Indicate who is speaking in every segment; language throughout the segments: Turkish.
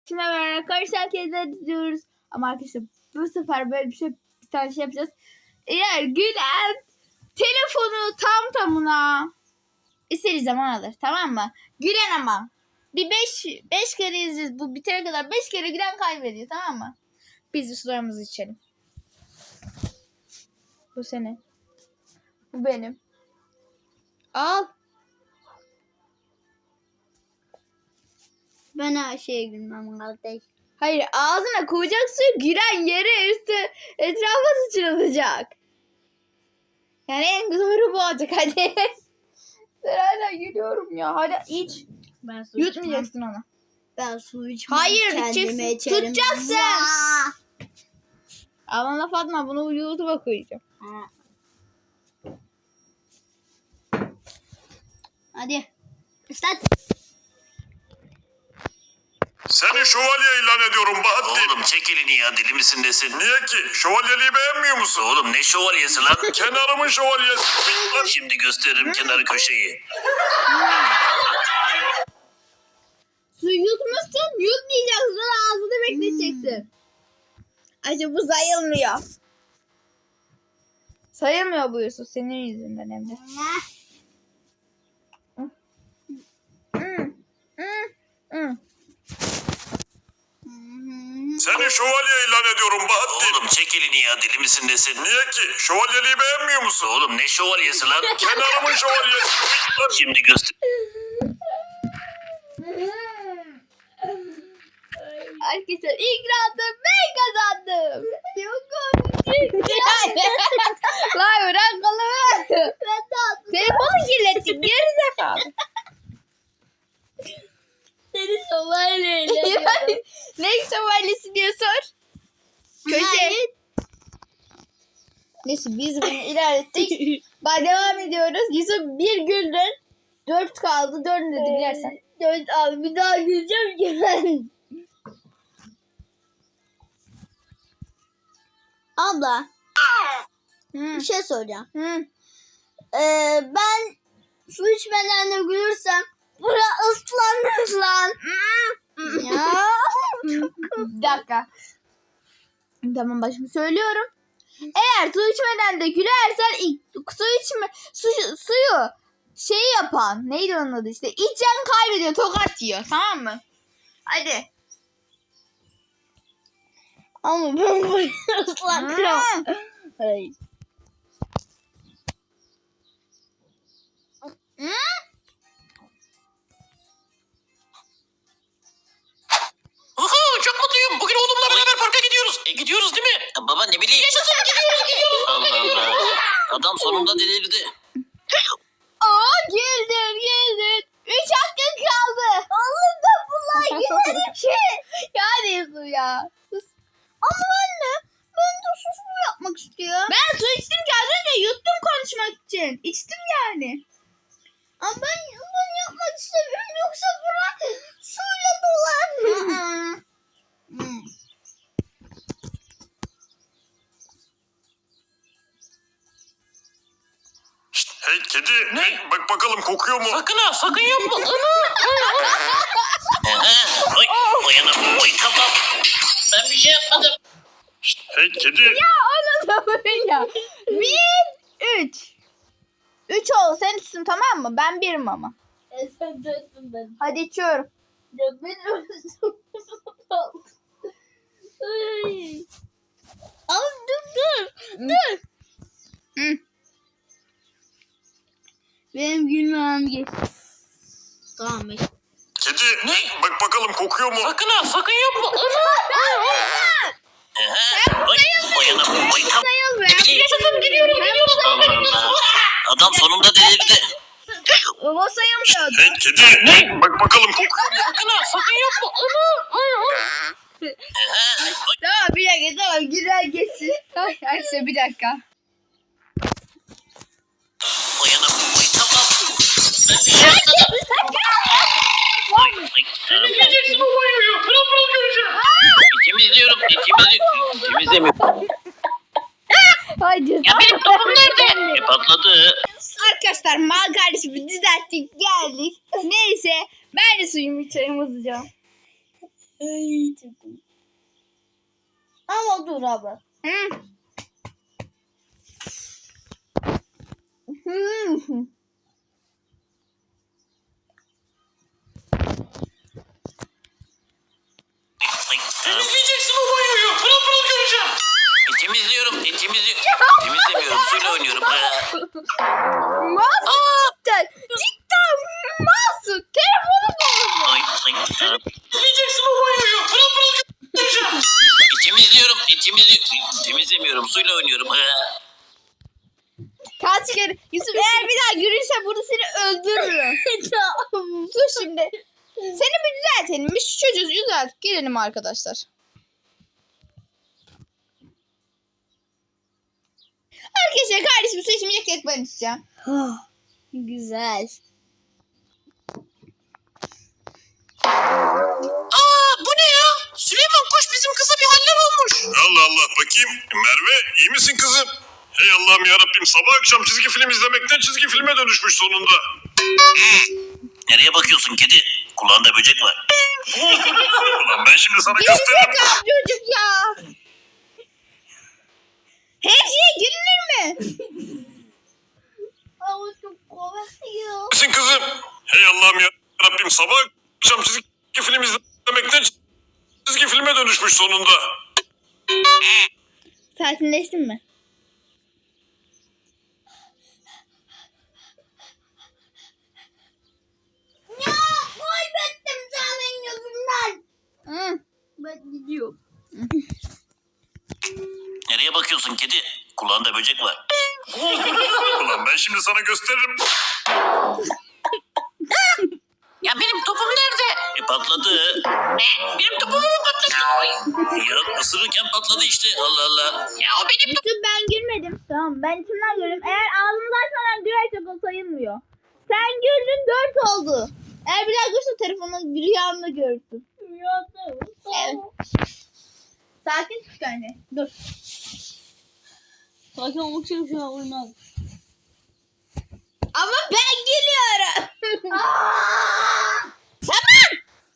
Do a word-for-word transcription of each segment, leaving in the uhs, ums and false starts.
Speaker 1: Şimdi beraber karışan kediler diziyoruz. Ama arkadaşlar bu sefer böyle bir şey bir tane şey yapacağız. Eğer Gülen telefonu tam tamına istediği zaman alır, tamam mı? Gülen ama bir beş beş kere izleyeceğiz. Bu bitene kadar beş kere Gülen kaybediyor, tamam mı? Biz de sularımızı içelim. Bu senin. Bu benim. Al.
Speaker 2: Ben her şeye gülmem kardeş.
Speaker 1: Hayır, ağzına koyacaksın, giren yere üstü etrafa sıçralacak. Yani en doğru bu olacak, hadi. Ben hala gülüyorum ya. Hadi iç.
Speaker 2: Ben su
Speaker 1: Yutmayacaksın onu.
Speaker 2: Ben su içmem.
Speaker 1: Hayır,
Speaker 2: kendime
Speaker 1: içeceksin.
Speaker 2: içerim.
Speaker 1: Tutacaksın.
Speaker 2: Vaa!
Speaker 1: Aman laf atma, bunu YouTube'a koyacağım.
Speaker 2: Ha. Hadi. Islat.
Speaker 3: Seni şövalye ilan ediyorum Bahattin.
Speaker 4: Oğlum çek elini ya, deli misin desin.
Speaker 3: Niye ki? Şövalyeliği beğenmiyor musun?
Speaker 4: Oğlum ne şövalyesi lan?
Speaker 3: Kenarımın şövalyesi.
Speaker 4: Şimdi gösteririm kenarı köşeyi.
Speaker 1: Su yutmuşsun, yutmayacaksın, ağzını bekleteceksin. Acaba bu sayılmıyor. Sayılmıyor bu Yusuf, senin yüzünden hem de. Hmm, hmm, hmm.
Speaker 3: Seni şövalye ilan ediyorum Bahattin.
Speaker 4: Oğlum çek elini ya, deli misin desin.
Speaker 3: Niye ki? Şövalyeliği beğenmiyor musun?
Speaker 4: Oğlum ne şövalyesi lan?
Speaker 3: Kenarımın şövalyesi.
Speaker 4: Şimdi göster.
Speaker 1: Arkadaşlar ilk roundu ben kazandım. Yok Lan bırak kolumu. Telefonu kirlettin geri zekalı.
Speaker 2: Seni şövalyeyle.
Speaker 1: Ne şövalyesi diye sor. Köşe. Neyse biz bunu ilerlettik. Bak devam ediyoruz. Yusuf bir güldün. Dört kaldı. Dördünü de gülersen.
Speaker 2: Dört abi bir daha güleceğim ki ben. Abla
Speaker 1: Hı.
Speaker 2: bir şey soracağım.
Speaker 1: Hı.
Speaker 2: Ee, ben su içmeden de gülürsem bura ıslanır lan. Ya.
Speaker 1: Bir dakika. Tamam bak şimdi söylüyorum. Eğer su içmeden de gülersen ilk- su içme su, suyu şey yapan neydi onun adı işte içen kaybediyor, tokat yiyor, tamam mı? Hadi.
Speaker 2: Ama ben burayı ıslatırım.
Speaker 1: Hmm.
Speaker 2: Hayır.
Speaker 1: Hmm.
Speaker 4: Uhu, çok mutluyum. Bugün oğlumla beraber parka gidiyoruz. E, gidiyoruz değil mi? Ya baba ne bileyim. Yaşasın, gidiyoruz gidiyoruz. Allah Allah. Adam sonunda delirdi.
Speaker 1: Aa güldün güldün. Üç hakkın kaldı.
Speaker 2: Oğlum da bunlar gülerim ki.
Speaker 1: Ya diyorsun ya. Sus.
Speaker 2: Ama anne ben de susum yapmak istiyorum.
Speaker 1: Ben su içtim ki az önce yuttum konuşmak için. İçtim yani.
Speaker 2: Ama ben, ben yapmak istemiyorum yoksa bura suyla dolar. Hmm.
Speaker 3: Şşt, hey kedi. Hey, bak bakalım kokuyor mu?
Speaker 4: Sakın ha, sakın yapma. Oy, uyanım. Oy tamam. Ben bir şey yapmadım.
Speaker 3: Şşt, hey kedi.
Speaker 1: Onu da böyle. Bir, üç. Üç ol sen içsin, tamam mı? Ben birim ama.
Speaker 2: E sen döndün ben.
Speaker 1: Hadi içiyorum.
Speaker 2: Ya benim Ay. Abi dur dur. Dur.
Speaker 1: Hı.
Speaker 2: Benim gülmem geç. Tamam be.
Speaker 3: Kedi. Bak bakalım kokuyor mu?
Speaker 4: Sakın ha, sakın yapma. Oy, uyanım. Oy tamam.
Speaker 1: Sayıl be.
Speaker 4: Ne bileyim. Yaşasın, gidiyoruz gidiyoruz. Allah Allah. Adam sonunda delirdi.
Speaker 1: O sayılmıyordu.
Speaker 3: Hey kedi. Bak bakalım kokuyor mu?
Speaker 4: Sakın ha, sakın yapma.
Speaker 1: Tamam bir dakika, tamam güzel geçsin. Ay, Ayşe bir dakika.
Speaker 4: Uyanım. Oy tamam. Ben bir şey yapmadım. Oy, oy, tamam.
Speaker 3: Yiyeceksin o banyoyu. Pırıl pırıl göreceğim.
Speaker 4: Temizliyorum. Temizliyorum. Temizlemiyorum.
Speaker 1: Hadi.
Speaker 4: Ya benim topum nerede? E, patladı.
Speaker 1: Arkadaşlar mal kardeşimi düzelttik geldik. Neyse ben de suyumu içerim hızlıca.
Speaker 2: Ay çok komik. Ama dur abi.
Speaker 1: Hı. Hı.
Speaker 4: Temizleyeceksin o banyoyu. Pırıl pırıl göreceğim. E, temizliyorum. E, temizliyorum. Temizlemiyorum. Suyla oynuyorum.
Speaker 1: Masum cidden. Cidden masum. Telefonu bozuldu.
Speaker 4: Ay, ay, ay. Temizleyeceksin o banyoyu. Pırıl pırıl göreceğim. E, temizliyorum. E, temizliyorum. Temizlemiyorum. Suyla oynuyorum.
Speaker 1: Kaç kere. Yusuf eğer bir daha görürsen burada seni öldürürüm. Sus şimdi. Seni bir düzeltelim. Bir şu çocuğu düzelt. Gelelim arkadaşlar. Arkadaşlar kardeşim su içmeyecek tek ben içeceğim.
Speaker 2: Güzel.
Speaker 4: Aa, bu ne ya? Süleyman koş, bizim kıza bir haller olmuş.
Speaker 3: Allah Allah bakayım. Merve iyi misin kızım? Hey Allah'ım yarabbim sabah akşam çizgi film izlemekten çizgi filme dönüşmüş sonunda.
Speaker 4: Nereye bakıyorsun kedi? Kulağında böcek var.
Speaker 3: Ulan ben şimdi sana gösteririm.
Speaker 1: Gerizekalı çocuk ya. Her şeye gülünür mü?
Speaker 2: Ama çok komik.
Speaker 3: Misin kızım? Hey Allah'ım yarabbim sabah akşam çizgi film izlemekten çizgi filme dönüşmüş sonunda.
Speaker 1: Sakinleştin mi?
Speaker 2: Ya kaybettim senin yüzünden.
Speaker 1: Hı.
Speaker 2: Ben gidiyorum.
Speaker 4: Nereye bakıyorsun kedi? Kulağında böcek var.
Speaker 3: Ulan ben şimdi sana gösteririm.
Speaker 4: Ya benim topum nerede? E patladı. Ne? Benim topumu mu patladı? Ay. Ya ısırırken patladı işte. Allah Allah. Ya o benim topum.
Speaker 1: Yusuf ben gülmedim. Tamam ben içimden güldüm. Eğer ağzımızı açmadan gülersek o sayılmıyor. Sen güldün dört oldu. Eğer bir daha görürsen telefonu bir rüyanda görürsün. Evet. Sakin tut anne. Dur.
Speaker 2: Sakin olmak için şu an uymaz.
Speaker 1: Ama ben gülüyorum. Tamam.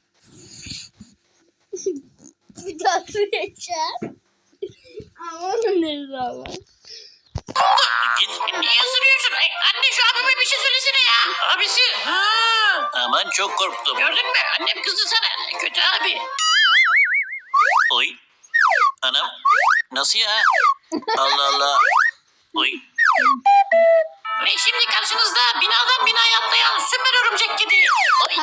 Speaker 2: Bir daha süreceğim. Aman ne zaman.
Speaker 4: Git. Niye ısırıyorsun? Ay, anne şu abime bir şey söylesene ya. Abisi. Ha. Aman çok korktum. Gördün mü? Annem kızdı sana. Kötü abi. Oy. Anam. Nasıl ya? Allah Allah. Oy. Ve şimdi karşınızda binadan binaya atlayan süper örümcek kedi. Oy.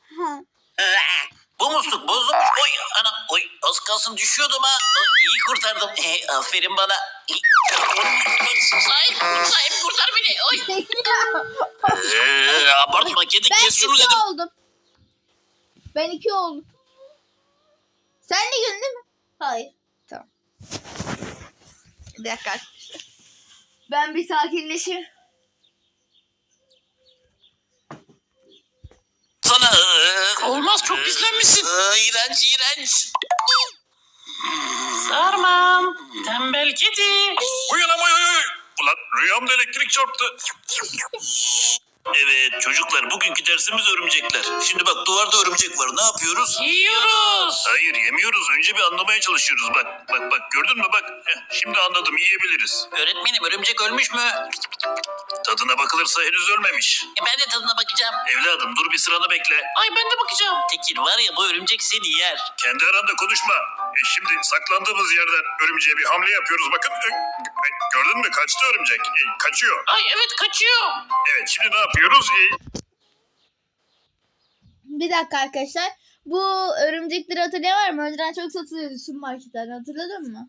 Speaker 4: Bu musluk bozulmuş. Oy anam. Oy az kalsın düşüyordum ha. Oy, iyi kurtardım. E, aferin bana. Sahip, sahip kurtar beni. Oy. Ee, abartma kedi
Speaker 1: Ben
Speaker 4: kes şunu
Speaker 1: iki
Speaker 4: dedim.
Speaker 1: oldum. Ben iki oldum. Sen de güldün değil mi?
Speaker 2: Hayır.
Speaker 1: Tamam. Bir dakika arkadaşlar. Ben bir sakinleşeyim.
Speaker 4: Sana olmaz çok pislenmişsin. İğrenç iğrenç. Sarmam. Tembel kedi.
Speaker 3: Uyan ama uyan. Ulan rüyamda elektrik çarptı.
Speaker 4: Evet çocuklar bugünkü dersimiz örümcekler. Şimdi bak duvarda örümcek var ne yapıyoruz? Yiyoruz.
Speaker 3: Hayır yemiyoruz. Önce bir anlamaya çalışıyoruz. Bak bak bak gördün mü bak. Heh, şimdi anladım yiyebiliriz.
Speaker 4: Öğretmenim örümcek ölmüş mü?
Speaker 3: Tadına bakılırsa henüz ölmemiş.
Speaker 4: E, ben de tadına bakacağım.
Speaker 3: Evladım dur bir sıranı bekle.
Speaker 4: Ay ben de bakacağım. Tekir var ya bu örümcek seni yer.
Speaker 3: Kendi aranda konuşma. E şimdi saklandığımız yerden örümceğe bir hamle yapıyoruz. Bakın e, e, gördün mü kaçtı örümcek. E, kaçıyor.
Speaker 4: Ay evet kaçıyor.
Speaker 3: Evet şimdi ne yapıyoruz? E,
Speaker 1: Bir dakika arkadaşlar. Bu örümcekleri hatırlayan var mı? Önceden çok satılıyordu su marketlerde. Hatırladın mı?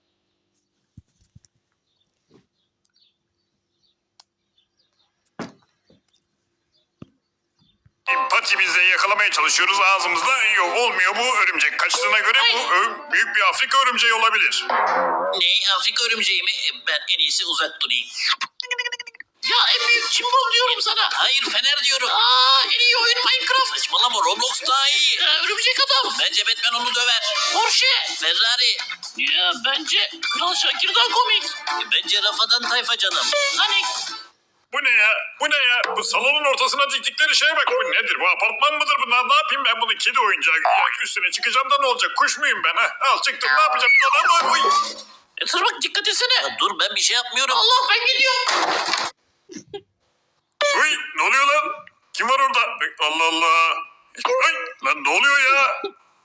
Speaker 3: patimizle yakalamaya çalışıyoruz. Ağzımızda yok olmuyor bu örümcek. Kaçtığına göre bu ö, büyük bir Afrika örümceği olabilir.
Speaker 4: Ne Afrika örümceği mi? E, Ben en iyisi uzak durayım. Ya en büyük cimbom diyorum sana. Hayır Fener diyorum. Aa en iyi oyun Minecraft. Saçmalama Roblox daha iyi. Ya, örümcek adam. Bence Batman onu döver. Porsche. Ferrari. Ya bence Kral Şakir daha komik. E, Bence Rafadan Tayfa canım. Hani?
Speaker 3: Bu ne ya? Bu ne ya? Bu salonun ortasına diktikleri şeye bak. Bu nedir? Bu apartman mıdır bunlar? Ne yapayım ben bunu? Kedi oyuncağı. Ya üstüne çıkacağım da ne olacak? Kuş muyum ben ha? Al çıktım. Ne yapacağım? Lan, oy.
Speaker 4: E, dur bak dikkat etsene. Ya, dur ben bir şey yapmıyorum. Allah ben gidiyorum.
Speaker 3: Uy, ne oluyor lan? Kim var orada? Allah Allah. Ay, lan ne oluyor ya?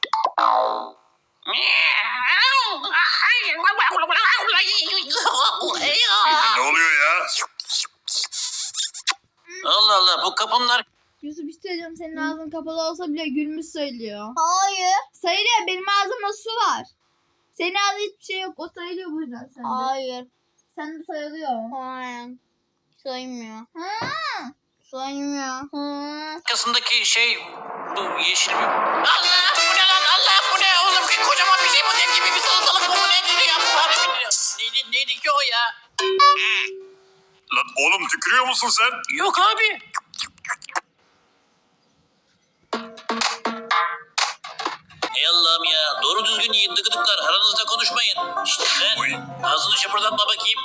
Speaker 3: Ne oluyor ya?
Speaker 4: Allah Allah bu kapının ar-
Speaker 1: Yusuf bir şey söyleyeceğim. Senin ağzın kapalı olsa bile gülmüş söylüyor.
Speaker 2: Hayır.
Speaker 1: Sayılıyor. Benim ağzımda su var. Senin ağzında hiçbir şey yok. O sayılıyor bu yüzden sende.
Speaker 2: Hayır.
Speaker 1: Sen de sayılıyor.
Speaker 2: Hayır. Saymıyor.
Speaker 1: Ha.
Speaker 2: Saymıyor. Hı.
Speaker 4: arkasındaki şey bu yeşil bir... Allah bu ne lan Allah bu ne oğlum bir kocaman bir şey bu dev gibi bir salatalık bu bu nedir ya bu harbi neydi, neydi ki o ya?
Speaker 3: Lan oğlum tükürüyor musun sen?
Speaker 4: Yok abi. Ey Allah'ım ya doğru düzgün yiyin dıgıdıklar aranızda konuşmayın. İşte sen
Speaker 3: Oy.
Speaker 4: ağzını şapırdatma bakayım.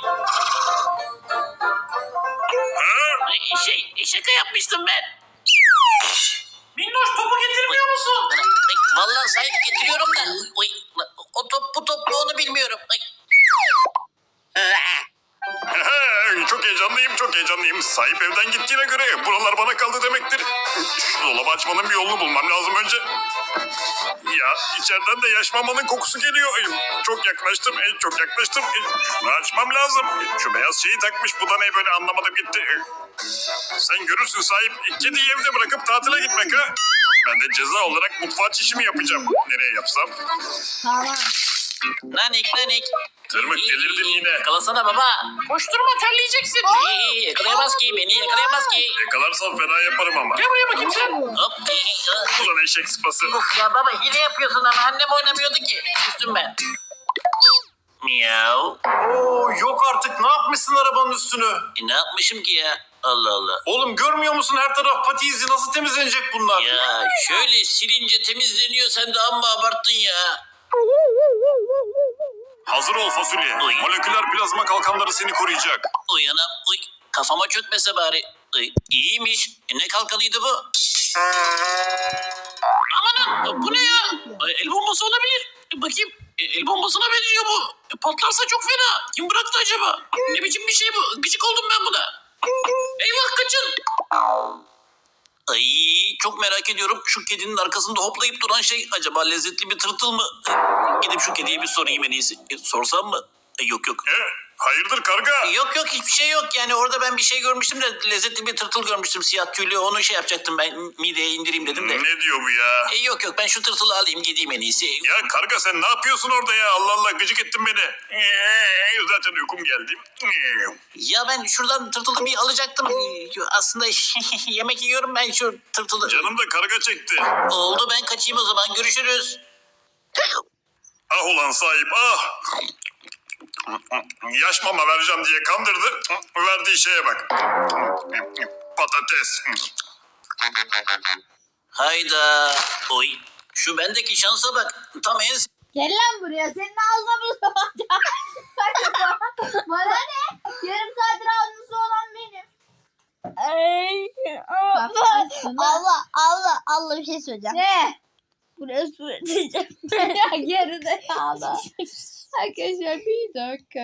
Speaker 3: Ha?
Speaker 4: Ay, Şey şaka yapmıştım ben. Minnoş topu getirmiyor musun? Ay, vallahi sahip getiriyorum da. Oy, o top bu top mu onu bilmiyorum. Ay.
Speaker 3: Çok heyecanlıyım, çok heyecanlıyım. Sahip evden gittiğine göre buralar bana kaldı demektir. Şu dolabı açmanın bir yolunu bulmam lazım önce. Ya içeriden de yaş mamanın kokusu geliyor. Ay, çok yaklaştım, ay, çok yaklaştım. Ay, şunu açmam lazım. Ay, şu beyaz şeyi takmış, bu da ne böyle anlamadım gitti. Ay, sen görürsün sahip. Kediyi evde bırakıp tatile gitmek ha. Ben de ceza olarak mutfağa çişimi yapacağım. Nereye yapsam?
Speaker 1: Tamam.
Speaker 4: Nanik nanik.
Speaker 3: Tırmık delirdin yine.
Speaker 4: Yakalasana baba. Koşturma terleyeceksin. İyi, iyi, yakalayamaz ki beni yakalayamaz ki.
Speaker 3: Yakalarsam fena yaparım ama.
Speaker 4: Gel buraya bakayım sen. Hop.
Speaker 3: Ulan eşek sıpası.
Speaker 4: Uf ya baba hile yapıyorsun ama annem oynamıyordu ki. Üstüm ben. Miyav.
Speaker 5: Oo yok artık ne yapmışsın arabanın üstünü?
Speaker 4: E, ne yapmışım ki ya? Allah Allah.
Speaker 5: Oğlum görmüyor musun her taraf pati izi nasıl temizlenecek bunlar?
Speaker 4: Ya şöyle silince temizleniyor sen de amma abarttın ya.
Speaker 3: Hazır ol fasulye.
Speaker 4: Oy.
Speaker 3: Moleküler plazma kalkanları seni koruyacak.
Speaker 4: Uyanam. Uy. Kafama çökmese bari. Uy. İyiymiş. E, ne kalkanıydı bu? Amanın bu ne ya? Ay, el bombası olabilir. E, bakayım. E, el bombasına benziyor bu. E, patlarsa çok fena. Kim bıraktı acaba? Ne biçim bir şey bu? Gıcık oldum ben buna. Eyvah kaçın. Ay çok merak ediyorum. Şu kedinin arkasında hoplayıp duran şey acaba lezzetli bir tırtıl mı? E, gidip şu kediye bir sorayım en iyisi. E, sorsam mı? E, yok yok.
Speaker 3: E, hayırdır karga?
Speaker 4: Yok yok hiçbir şey yok yani orada ben bir şey görmüştüm de lezzetli bir tırtıl görmüştüm siyah tüylü onu şey yapacaktım ben mideye indireyim dedim de.
Speaker 3: Ne diyor bu ya?
Speaker 4: E, yok yok ben şu tırtılı alayım gideyim en iyisi.
Speaker 3: Ya karga sen ne yapıyorsun orada ya? Allah Allah gıcık ettin beni. Ee, zaten uykum geldi. Ee,
Speaker 4: Ya ben şuradan tırtılı bir alacaktım. E, Aslında yemek yiyorum ben şu tırtılı.
Speaker 3: Canım da karga çekti.
Speaker 4: Oldu ben kaçayım o zaman görüşürüz.
Speaker 3: Ah ulan sahip ah. Yaş mama vereceğim diye kandırdı. Verdiği şeye bak. Patates.
Speaker 4: Hayda. Oy. Şu bendeki şansa bak. Tam en
Speaker 1: Gel lan buraya. Senin ağzına bunu sokacağım. Bana ne? Yarım saattir ağzımda olan benim.
Speaker 2: Ay,
Speaker 1: Bak, şuna.
Speaker 2: Allah Allah Allah bir şey söyleyeceğim.
Speaker 1: Ne?
Speaker 2: Buraya su edeceğim.
Speaker 1: Geride kaldı. Arkadaşlar bir dakika.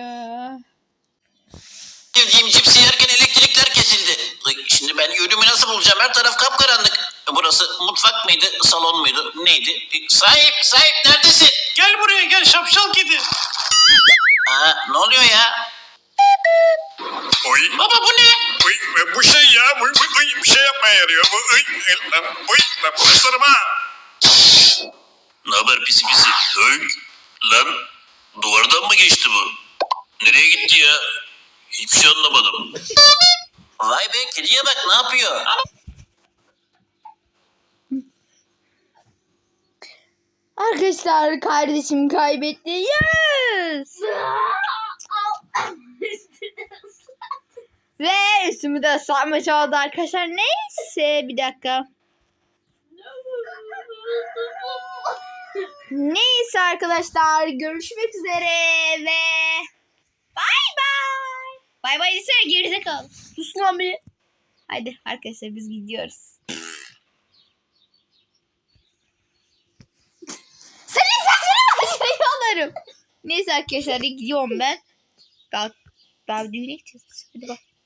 Speaker 4: sevdiğim cipsi yerken elektrikler kesildi. Ay, şimdi ben yönümü nasıl bulacağım? Her taraf kapkaranlık. E, Burası mutfak mıydı, salon muydu, neydi? E, Sahip, sahip neredesin?
Speaker 5: Gel buraya gel şapşal kedi.
Speaker 4: Aa, ne oluyor ya?
Speaker 3: Oy.
Speaker 4: Baba bu ne?
Speaker 3: Oy, e, bu şey ya. Bu, bu, bu bir şey yapmaya yarıyor. Bu, oy, e, lan, oy, lan, başlarım ha.
Speaker 4: Ne haber pisi pisi? Hönk. Lan duvardan mı geçti bu? Nereye gitti ya? Hiçbir şey anlamadım. Vay be kediye bak ne yapıyor?
Speaker 1: Arkadaşlar kardeşim kaybetti. Yes! Ve üstümü de ıslatmış oldu arkadaşlar. Neyse bir dakika. Neyse arkadaşlar görüşmek üzere ve bay bay. Bay bay desene gerizekalı. Sus lan bir. Hadi arkadaşlar biz gidiyoruz. Senin saçını başına yolarım. Neyse arkadaşlar gidiyorum ben. Daha, daha düğüne gideceğiz. Hadi bak.